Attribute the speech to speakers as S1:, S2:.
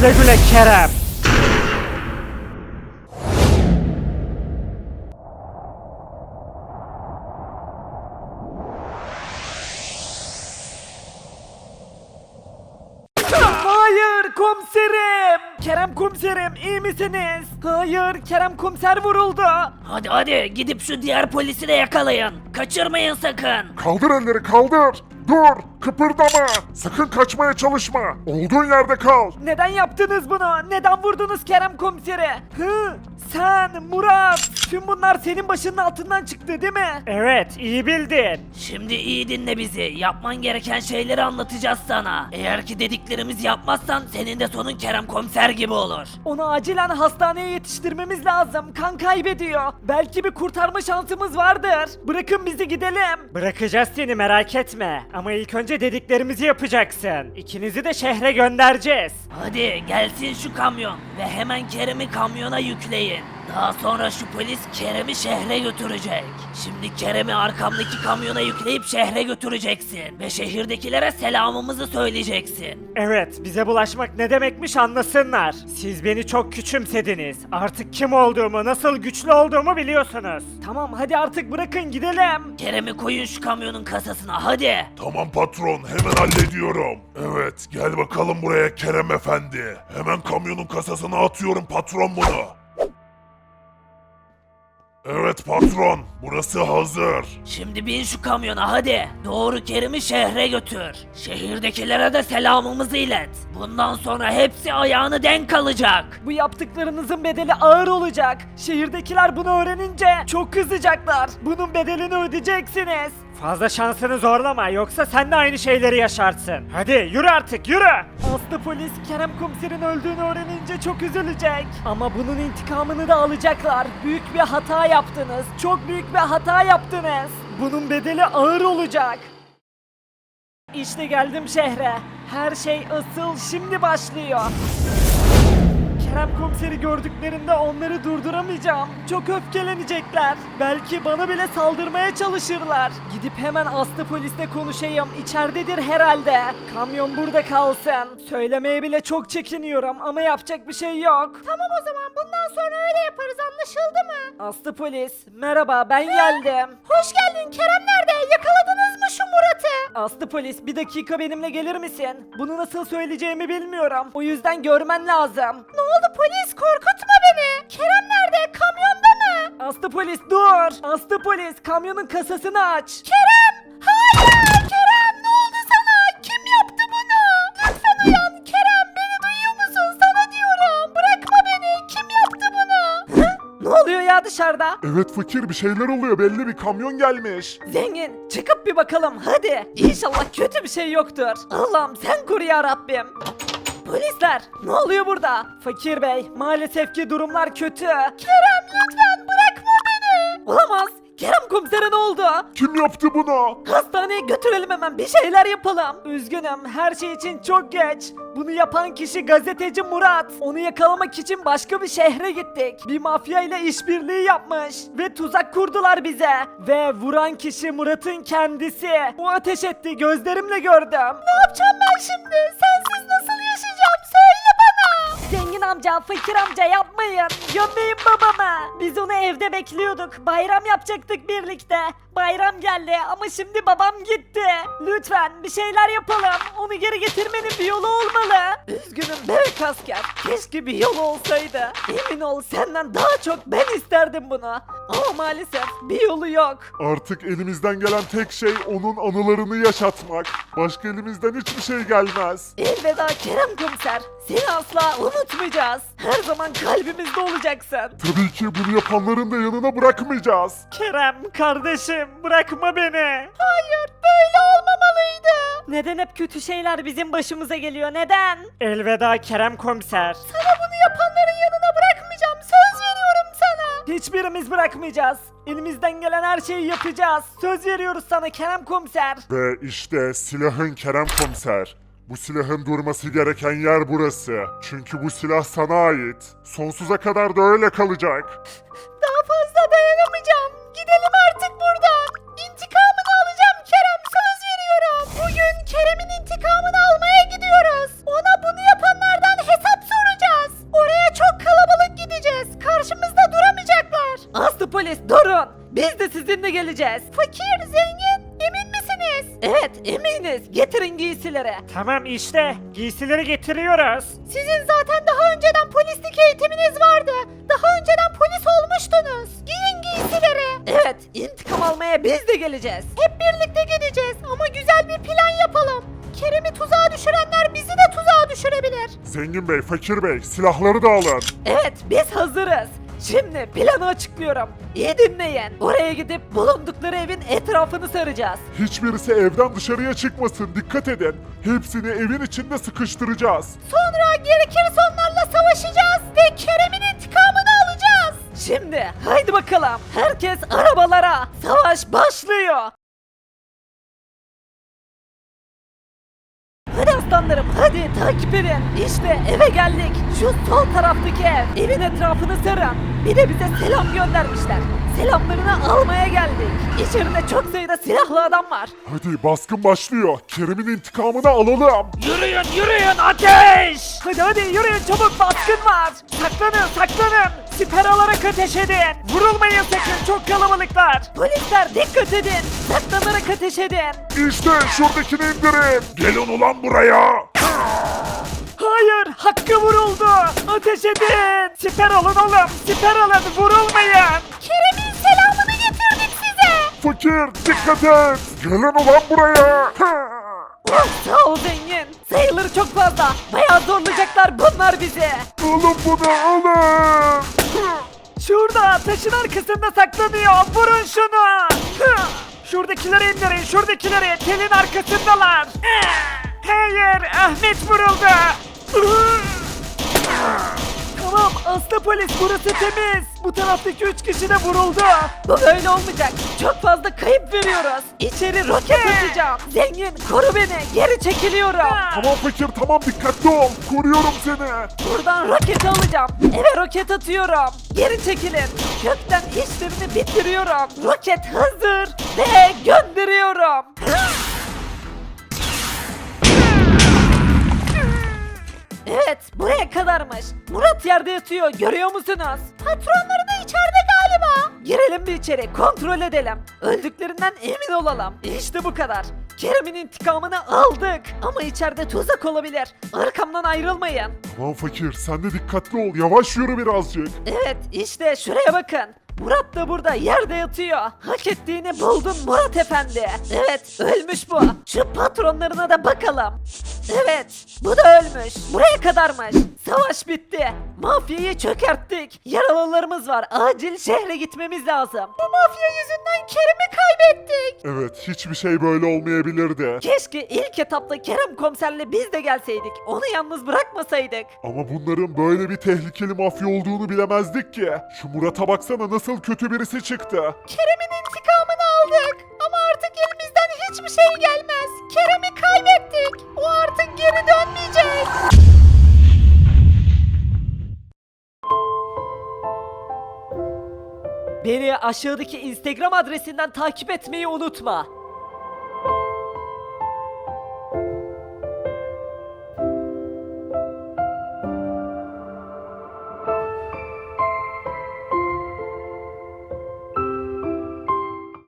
S1: Güle güle Kerem. Hayır komiserim. Kerem komiserim iyi misiniz? Hayır Kerem komiser vuruldu.
S2: Hadi hadi gidip şu diğer polisi de yakalayın. Kaçırmayın sakın.
S3: Kaldır elleri kaldır. Dur, kıpırdama. Sakın kaçmaya çalışma. Olduğun yerde kal.
S1: Neden yaptınız bunu? Neden vurdunuz Kerem komiseri? Sen, Murat. Tüm bunlar senin başının altından çıktı değil mi? Evet, iyi bildin.
S2: Şimdi iyi dinle bizi. Yapman gereken şeyleri anlatacağız sana. Eğer ki dediklerimizi yapmazsan senin de sonun Kerem komiser gibi olur.
S1: Onu acilen hastaneye yetiştirmemiz lazım. Kan kaybediyor. Belki bir kurtarma şansımız vardır. Bırakın bizi gidelim. Bırakacağız seni merak etme. Ama ilk önce dediklerimizi yapacaksın. İkinizi de şehre göndereceğiz.
S2: Hadi gelsin şu kamyon ve hemen Kerem'i kamyona yükleyin. Daha sonra şu polis Kerem'i şehre götürecek. Şimdi Kerem'i arkamdaki kamyona yükleyip şehre götüreceksin. Ve şehirdekilere selamımızı söyleyeceksin.
S1: Evet, bize bulaşmak ne demekmiş anlasınlar. Siz beni çok küçümsediniz. Artık kim olduğumu, nasıl güçlü olduğumu biliyorsunuz. Tamam, hadi artık bırakın gidelim.
S2: Kerem'i koyun şu kamyonun kasasına hadi.
S3: Tamam patron, hemen hallediyorum. Evet, gel bakalım buraya Kerem efendi. Hemen kamyonun kasasına atıyorum patron bunu. Evet patron, burası hazır.
S2: Şimdi bin şu kamyona hadi. Doğru Kerim'i şehre götür. Şehirdekilere de selamımızı ilet. Bundan sonra hepsi ayağını denk alacak.
S1: Bu yaptıklarınızın bedeli ağır olacak. Şehirdekiler bunu öğrenince çok kızacaklar. Bunun bedelini ödeyeceksiniz. Fazla şansını zorlama yoksa sen de aynı şeyleri yaşarsın. Hadi yürü artık yürü. Aslı polis Kerem komiserin öldüğünü öğrenince çok üzülecek. Ama bunun intikamını da alacaklar. Büyük bir hata yaptınız. Çok büyük bir hata yaptınız. Bunun bedeli ağır olacak. İşte geldim şehre. Her şey asıl şimdi başlıyor. Kerem komiseri gördüklerinde onları durduramayacağım. Çok öfkelenecekler. Belki bana bile saldırmaya çalışırlar. Gidip hemen Aslı polisle konuşayım. İçeridedir herhalde. Kamyon burada kalsın. Söylemeye bile çok çekiniyorum ama yapacak bir şey yok. Tamam o zaman bundan sonra öyle yaparız anlaşıldı mı? Aslı polis merhaba ben geldim. Hoş geldin Kerem nerede? Yakaladınız mı şu Murat'ı? Aslı polis bir dakika benimle gelir misin? Bunu nasıl söyleyeceğimi bilmiyorum. O yüzden görmen lazım. Ne oldu polis korkutma beni. Kerem nerede? Kamyonda mı? Aslı polis dur. Aslı polis kamyonun kasasını aç. Kerem! Hayır! Kerem ne oldu sana? Kim yaptı bunu? Lütfen uyan Kerem beni duyuyor musun? Sana diyorum. Bırakma beni. Kim yaptı bunu? Ne oluyor ya dışarıda?
S3: Evet fakir, bir şeyler oluyor, belli bir kamyon gelmiş.
S1: Zengin çıkıp bir bakalım hadi. İnşallah kötü bir şey yoktur. Allah'ım sen koru ya Rabbim. Polisler ne oluyor burada? Fakir bey maalesef ki durumlar kötü. Kerem lütfen bırakma beni. Olamaz. Kerem komisere ne oldu?
S3: Kim yaptı bunu?
S1: Hastaneye götürelim hemen bir şeyler yapalım. Üzgünüm her şey için çok geç. Bunu yapan kişi gazeteci Murat. Onu yakalamak için başka bir şehre gittik. Bir mafya ile işbirliği yapmış. Ve tuzak kurdular bize. Ve vuran kişi Murat'ın kendisi. O ateş etti gözlerimle gördüm. Ne yapacağım ben şimdi? Sensiz nasıl yaşayacağım? Söyle bana. Zengin amca, fakir amca yapmayın. Gömmeyin babamı. Biz onu evde bekliyorduk. Bayram yapacaktık birlikte. Bayram geldi ama şimdi babam gitti. Lütfen bir şeyler yapalım. Onu geri getirmenin bir yolu olmalı. Üzgünüm bebek asker. Keşke bir yol olsaydı. Emin ol senden daha çok ben isterdim bunu. Ama maalesef bir yolu yok.
S3: Artık elimizden gelen tek şey onun anılarını yaşatmak. Başka elimizden hiçbir şey gelmez.
S1: Elveda Kerem komiser. Seni asla unutmayacağız. Her zaman kalbimizde olacaksın.
S3: Tabii ki bunu yapanların da yanına bırakmayacağız.
S1: Kerem kardeşim bırakma beni. Hayır böyle olmamalıydı. Neden hep kötü şeyler bizim başımıza geliyor neden? Elveda Kerem komiser. Sana bunu yapanların yanına bırakmayacağım söz veriyorum sana. Hiçbirimiz bırakmayacağız. Elimizden gelen her şeyi yapacağız. Söz veriyoruz sana Kerem komiser.
S3: Ve işte silahın Kerem komiser. Bu silahın durması gereken yer burası. Çünkü bu silah sana ait. Sonsuza kadar da öyle kalacak.
S1: Daha fazla dayanamayacağım. Gidelim artık buradan. İntikamını alacağım Kerem söz veriyorum. Bugün Kerem'in intikamını almaya gidiyoruz. Ona bunu yapanlardan hesap geleceğiz. Fakir, zengin, emin misiniz? Evet, eminiz. Getirin giysileri. Tamam işte, giysileri getiriyoruz. Sizin zaten daha önceden polislik eğitiminiz vardı. Daha önceden polis olmuştunuz. Giyin giysileri. Evet, intikam almaya biz de geleceğiz. Hep birlikte gideceğiz ama güzel bir plan yapalım. Kerem'i tuzağa düşürenler bizi de tuzağa düşürebilir.
S3: Zengin Bey, Fakir Bey, silahları da alın.
S1: Evet, biz hazırız. Şimdi planı açıklıyorum. İyi dinleyin. Oraya gidip bulundukları evin etrafını saracağız.
S3: Hiçbirisi evden dışarıya çıkmasın, dikkat edin. Hepsini evin içinde sıkıştıracağız.
S1: Sonra gerekirse onlarla savaşacağız ve Kerem'in intikamını alacağız. Şimdi haydi bakalım. Herkes arabalara. Savaş başlıyor. Hadi aslanlarım, hadi takip edin. İşte eve geldik. Şu sol taraftaki ev. Evin etrafını sarın. Bir de bize selam göndermişler. Selamlarını almaya geldik. İçeride çok sayıda silahlı adam var.
S3: Hadi baskın başlıyor. Kerem'in intikamını alalım.
S1: Yürüyün yürüyün, ateş! Hadi yürüyün, çabuk, baskın var. Saklanın saklanın. Siper alarak ateş edin. Vurulmayın sakın, çok kalabalıklar. Polisler dikkat edin. Saklanarak ateş edin.
S3: İşte şuradakini indirin. Gelin ulan buraya.
S1: Hayır, Hakkı vuruldu. Ateş edin. Siper alın oğlum, siper alın, vurulmayın. Kerem'in selamını getirdik size.
S3: Fakir, dikkat et. Gelin ulan buraya.
S1: Oh, sağ ol zengin. Sayıları çok fazla. Bayağı zorlayacaklar bunlar bizi.
S3: Alın bunu, alın.
S1: Şurada taşın arkasında saklanıyor. Vurun şunu. Şuradakileri indirin, şuradakileri. Telin arkasındalar. Hayır, Ahmet vuruldu. Tamam, Aslı polis, burası temiz. Bu taraftaki 3 kişi de vuruldu. Bu böyle olmayacak. Çok fazla kayıp veriyoruz. İçeri roket atacağım. Zengin, koru beni. Geri çekiliyorum.
S3: Tamam Fakir, tamam, dikkatli ol. Koruyorum seni.
S1: Buradan roket alacağım. Eve roket atıyorum. Geri çekilin. Kökten işlemini bitiriyorum. Roket hazır ve gönderiyorum. Evet, buraya kadarmış. Murat yerde yatıyor, görüyor musunuz? Patronları da içeride galiba. Girelim bir içeri, kontrol edelim. Öldüklerinden emin olalım. İşte bu kadar. Kerem'in intikamını aldık. Ama içeride tuzak olabilir. Arkamdan ayrılmayın.
S3: Tamam Fakir, sen de dikkatli ol. Yavaş yürü birazcık.
S1: Evet, işte şuraya bakın. Murat da burada yerde yatıyor. Hak ettiğini buldun Murat Efendi. Evet, ölmüş bu. Şu patronlarına da bakalım. Evet, bu da ölmüş. Buraya kadarmış. Savaş bitti. Mafyayı çökerttik. Yaralılarımız var. Acil şehre gitmemiz lazım. Bu mafya yüzünden Kerem'i kaybettik.
S3: Evet, hiçbir şey böyle olmayabilirdi.
S1: Keşke ilk etapta Kerem komiserle biz de gelseydik. Onu yalnız bırakmasaydık.
S3: Ama bunların böyle bir tehlikeli mafya olduğunu bilemezdik ki. Şu Murat'a baksana, nasıl kötü birisi çıktı.
S1: Kerem'in intikamını aldık. Ama artık elimizden hiçbir şey gelmez. Kerem'i kaybettik. O artık geri dönmeyecek. Beni aşağıdaki Instagram adresinden takip etmeyi unutma.